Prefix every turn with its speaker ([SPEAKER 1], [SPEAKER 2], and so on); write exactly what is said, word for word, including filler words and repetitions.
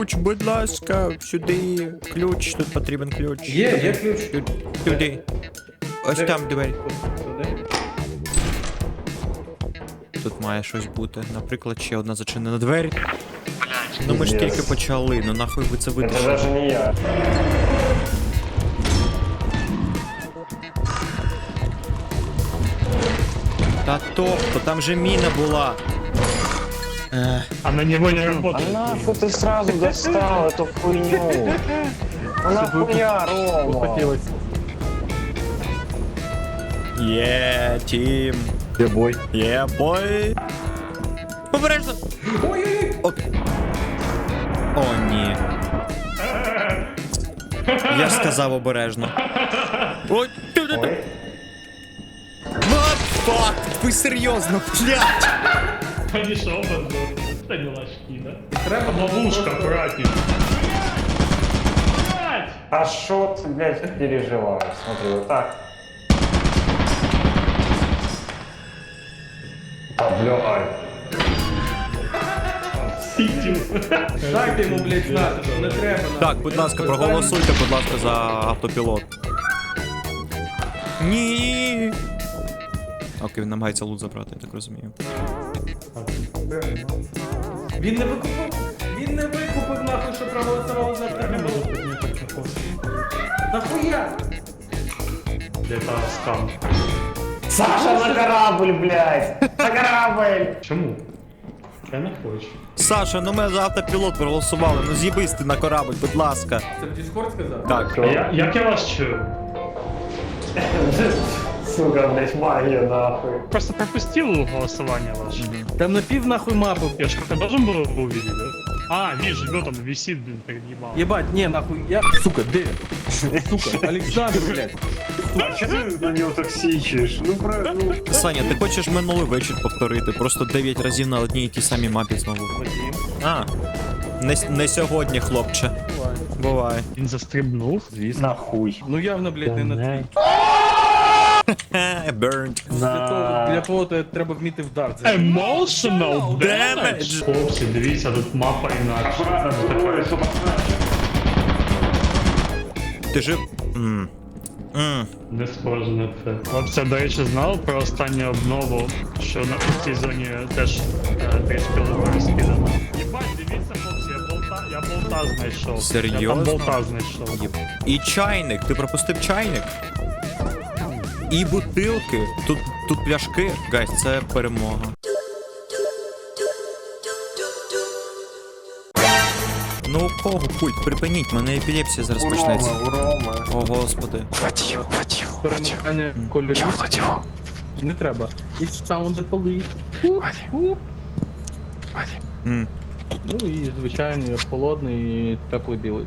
[SPEAKER 1] Ключ, будь ласка, сюди. Ключ, тут потрібен ключ.
[SPEAKER 2] Є, є ключ.
[SPEAKER 1] Туди. Ось
[SPEAKER 2] Де?
[SPEAKER 1] там двері.
[SPEAKER 2] Туди.
[SPEAKER 1] Тут має щось бути. Наприклад, ще одна зачинена двері. Ну ми ж тільки почали, ну нахуй ви це
[SPEAKER 3] Это
[SPEAKER 1] витащили.
[SPEAKER 3] даже не я.
[SPEAKER 1] Та тобто, там же міна була. Ех,
[SPEAKER 4] Она него не
[SPEAKER 3] А
[SPEAKER 4] работает.
[SPEAKER 3] нахуй ты сразу достал эту хуйню? А нахуя, Рома?
[SPEAKER 2] Хотілося.
[SPEAKER 1] Є, тім.
[SPEAKER 2] Де бой?
[SPEAKER 1] Є, бой. Обережно.
[SPEAKER 2] Ой-ой-ой.
[SPEAKER 1] От. О, ні. Я ж сказав обережно. Ой, ти-ти-ти.
[SPEAKER 3] Ой.
[SPEAKER 1] What fuck? Ви серйозно, блядь?
[SPEAKER 4] Они что, оба сдохли? Это не ложки, да?
[SPEAKER 2] Треба
[SPEAKER 4] Ловушка,
[SPEAKER 2] просто-
[SPEAKER 4] аккуратней. Блядь!
[SPEAKER 3] А шо ты, блядь, переживаешь? Смотри, вот так. А, блядь.
[SPEAKER 4] Сидим.
[SPEAKER 2] Дайте йому, блядь, знати, що не треба.
[SPEAKER 1] Так, будь ласка, проголосуйте, будь ласка, за автопілот. Ні. Окей, він намагається лут забрати, я так розумію.
[SPEAKER 2] Він не викупив. Він не викупив, нахуй, що проголосували за тебе. Нахуя?
[SPEAKER 4] Где-то скам.
[SPEAKER 3] Саша, на корабль, блядь! На корабль!
[SPEAKER 4] Чему? Я не хочу.
[SPEAKER 1] Саша, ну ми за автопілот проголосували, ну з'їбись ти на корабль, будь ласка.
[SPEAKER 2] Це в Discord сказав?
[SPEAKER 1] Так.
[SPEAKER 4] А я, як я вас чую?
[SPEAKER 3] Сука, блядь, магия, нахуй.
[SPEAKER 4] Просто пропустил голосование ваше.
[SPEAKER 2] Там на пів нахуй мапу.
[SPEAKER 4] Я же как-то должен был его увидеть, да? А, вижу, вот он висит, блин, перед ебалом.
[SPEAKER 2] Єбать, ні, нахуй, я... Сука, де? Сука, Олександр, блядь.
[SPEAKER 3] Че ты на него так сичишь? Ну, про... ну...
[SPEAKER 1] Саня, ти хочеш минулий вечір повторити? Просто дев'ять разів на одній і тій самій мапі знову. А, не, с- не сьогодні, хлопче. Буває.
[SPEAKER 4] Він застрибнув.
[SPEAKER 2] Звісно.
[SPEAKER 3] Нахуй.
[SPEAKER 2] Ну явно, блядь, не на твій.
[SPEAKER 1] Хе, Burned.
[SPEAKER 2] Для того, для того то треба вміти вдар. Це
[SPEAKER 4] Emotional
[SPEAKER 1] Damage.
[SPEAKER 4] damage! Хлопці, дивіться, тут мапа інакше.
[SPEAKER 1] Ти жив. М. М.
[SPEAKER 4] Не схоже на це. Хлопці, до речі, знав про останню обнову, що на в цій зоні теж е, трішки лука розкидано. Єбать, дивіться, хлопці, я болта, я болта знайшов. Я
[SPEAKER 1] Серйозно?
[SPEAKER 4] там болта знайшов.
[SPEAKER 1] Єб. І чайник, ти пропустив чайник? І бутилки. Тут, тут пляшки. Гайс, це перемога. Ну у кого пульт? Припиніть, в мене епілепсія зараз почнеться.
[SPEAKER 3] У Рома.
[SPEAKER 1] О, господи.
[SPEAKER 2] перемикання кольорів. Не треба. І sound the police.
[SPEAKER 1] М.
[SPEAKER 2] Ну і звичайний холодний і теплий білий.